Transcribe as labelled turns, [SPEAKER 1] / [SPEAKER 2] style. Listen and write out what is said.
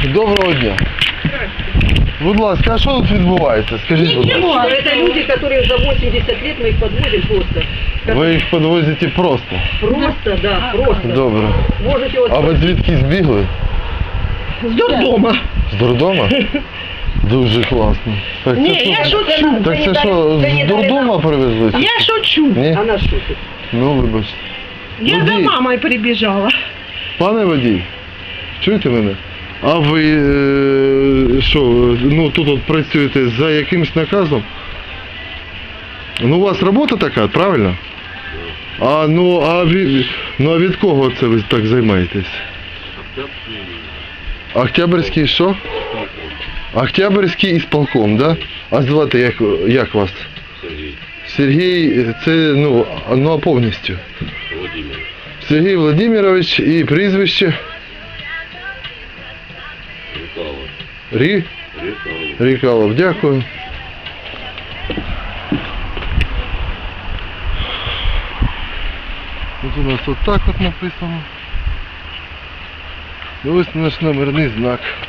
[SPEAKER 1] Доброго дня. Будь ласка, а що тут відбувається? Скажіть, будь ласка.
[SPEAKER 2] Ничего, это люди, которые за 80 лет, мы их подвозим просто.
[SPEAKER 1] Ви їх підвозите просто?
[SPEAKER 2] Просто, да, просто.
[SPEAKER 1] Добре.
[SPEAKER 2] Можете вот...
[SPEAKER 1] А ви звідки збігли?
[SPEAKER 2] С дурдома.
[SPEAKER 1] З дурдома? Дуже класно. Так це
[SPEAKER 2] Не,
[SPEAKER 1] що?
[SPEAKER 2] я шучу.
[SPEAKER 1] Так це що, з дурдома привезли?
[SPEAKER 2] Я шучу.
[SPEAKER 1] Ні?
[SPEAKER 2] Она шутит.
[SPEAKER 1] Ну, вибачте.
[SPEAKER 2] Я за
[SPEAKER 1] Водій.
[SPEAKER 2] мамой прибежала.
[SPEAKER 1] Пане водій, чуєте мене? А ви що, ну тут от працюєте за якимсь наказом? Ну у вас робота така, правильно? А від кого це ви так займаєтесь? Октябрьський що? Октябрьський ісполком, да? А звати як вас?
[SPEAKER 3] Сергій.
[SPEAKER 1] Сергій, це ну а повністю?
[SPEAKER 3] Володимир.
[SPEAKER 1] Сергій Владимирович і прізвище?
[SPEAKER 3] Рікало.
[SPEAKER 1] Рікалов, дякую. Тут у нас отак от написано. І ось наш номерний знак.